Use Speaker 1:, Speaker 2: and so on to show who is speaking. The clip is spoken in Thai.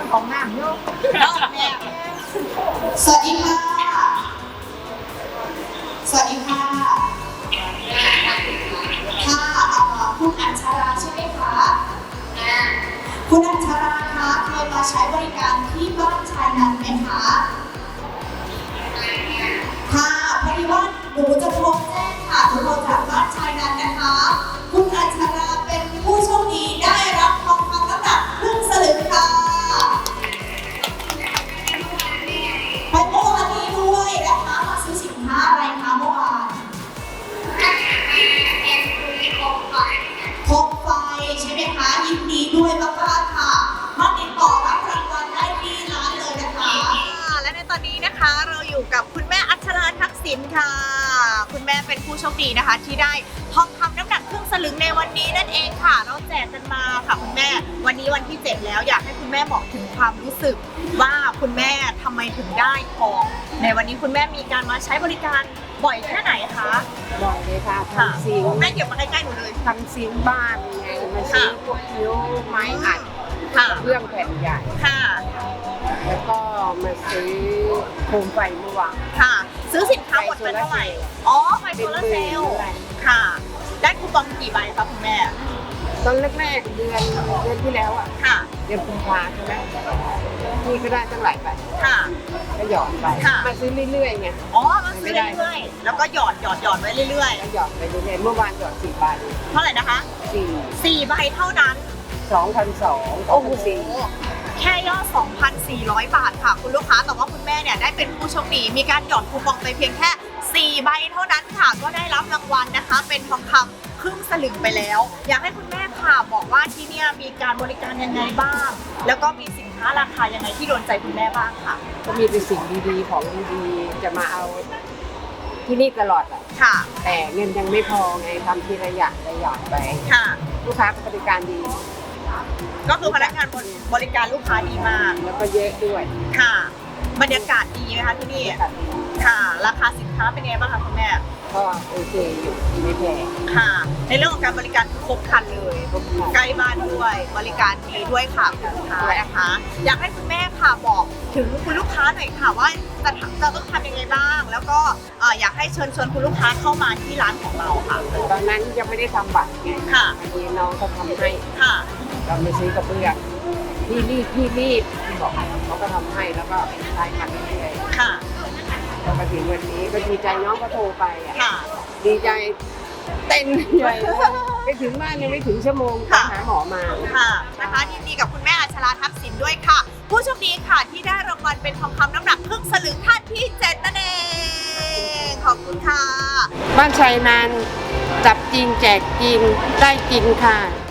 Speaker 1: ของน้ำโยกแม่
Speaker 2: สวัสดีค่ะสวัสดีค่ะคุณอัญชราใช่ไหมคะคุณอัญชราคะเคยมาใช้บริการที่บ้านชายนันท์ไหมคะค่ะพอดีว่าหนูจะโทรแจ้งค่ะหนูโทรจากบ้านชายนันท์นะคะคุณอัญชราเป็นผู้โชคดีได้รับทองคำน้ำหนักครึ่งสลึงค่ะไปเมื่อวานนี้ด้วยนะคะมาซื้อสินค้าอะไรคะเมื่อวานโคมไฟใช่ไหมคะยินดีด้วยมากๆค่ะมาติดต่อรับรางวัลได้ที่ร้านเลยนะคะ
Speaker 3: และในตอนนี้นะคะเราอยู่กับคุณแม่อัชราทักษิณค่ะคุณแม่เป็นผู้โชคดีนะคะที่ได้ทองคำน้ำหนักครึ่งสลึงในวันนี้นั่นเองค่ะเราแจกกันมาค่ะคุณแม่วันนี้วันที่7แล้วอยากให้คุณแม่บอกถึงความรู้สึกว่าคุณแม่ทำไมถึงได้ทองในวันนี้คุณแม่มีการมาใช้บริการบ่อยแค่ไหนคะ
Speaker 1: บ่อยเลยค่ะทำซิง
Speaker 3: แม่เก็บมาใกล้ๆหนูเลย
Speaker 1: ทำซิงบ้านไงมาซื้อพวกคิ้วไม้อัดเครื่องแผ่นใหญ่
Speaker 3: ค่ะ
Speaker 1: แล้วก็มาซื้อโคมไฟเมื่อวาน
Speaker 3: ค่ะซื้อสินค้าหมดไปเท่าไหร่อ๋อไฟโซลาร์เซลล์ค่ะได้คูปองกี่ใบคะคุณแม่
Speaker 1: ตอนแรกๆเดือนที่แล้วอ่ะ
Speaker 3: ค่ะ
Speaker 1: เดือนกุมภาใช่ไหมนี่ก็ได้ตั้งหลายใบ
Speaker 3: ค่ะ
Speaker 1: ก็หยอดไปมาซื้อเรื่อยๆไง
Speaker 3: อ๋อมาซื้อเรื่อยๆแล้วก็หยอดไว้เรื่อย
Speaker 1: ๆหยอดไปเรื่อยๆเมื่อวานหยอด4 ใบ
Speaker 3: เท่าไหร่นะคะ4ใบเท่านั้น
Speaker 1: 2,200โอ้โห
Speaker 3: แค่ยอด 2,400 บาทค่ะคุณลูกค้าแต่ว่าคุณแม่เนี่ยได้เป็นผู้โชคดีมีการหย่อนคูปองไปเพียงแค่4ใบเท่านั้นค่ะก็ได้รับรางวัลนะคะเป็นทองคำครึ่งสลึงไปแล้วอยากให้คุณแม่ค่ะบอกว่าที่เนี่ยมีการบริการยังไงบ้างแล้วก็มีสินค้าราคายังไงที่โดนใจคุณแม่บ้างค่ะ
Speaker 1: ก็มีเป็นสิ่งดีๆของดีๆจะมาเอาที่นี่ตลอด
Speaker 3: ค่ะ
Speaker 1: แต่เงินยังไม่พอไงทำทีละอย่างไป
Speaker 3: ค่ะ
Speaker 1: ลูกค้าบริการดี
Speaker 3: ก็คือพนักงานบริการลูกค้าดีมาก
Speaker 1: แล้วก็เยอะด้วย
Speaker 3: ค่ะบรรยากาศดีไหมคะที่นี่ค่ะราคาสินค้าเป็นไงบ้างคะคุณแม่
Speaker 1: ก็โอเคอยู่ไม่แพง
Speaker 3: ค่ะในเรื่องของการบริการครบครันเลยใกล้บ้านด้วยบริการดีด้วยค่ะคุณลูกค้านะคะอยากให้คุณแม่ค่ะบอกถึงคุณลูกค้าหน่อยค่ะว่าจะต้องทำยังไงบ้างแล้วก็อยากให้เชิญชวนคุณลูกค้าเข้ามาที่ร้านของเราค่ะ
Speaker 1: ตอนนั้นยังไม่ได้ทำบัตรไง
Speaker 3: ค่ะ
Speaker 1: ทีน้องเขาทำให้
Speaker 3: ค่ะ
Speaker 1: เราไปซื้อกระเบื้องพี่รีบบอกเขาก็ทำให้แล้วก็ใช้กันเรื่อย
Speaker 3: ๆค่ะ
Speaker 1: พอมาถึงวันนี้ก็ดีใจน้องก็โทรไป
Speaker 3: ค่ะ
Speaker 1: ดีใจเต้นใหญ่ไปถึงบ้านยังไม่ถึงชั่วโมงหาหมอมา
Speaker 3: ค่ะนะคะยินดีกับคุณแม่อัชราทักษิณด้วยค่ะผู้โชคดีค่ะที่ได้รางวัลเป็นทองคำน้ำหนักครึ่งสลึงท่านที่7นั่นเองขอบคุณค่ะ
Speaker 1: บ้านชัยนันท์จับจริงแจกจริงได้จริงค่ะ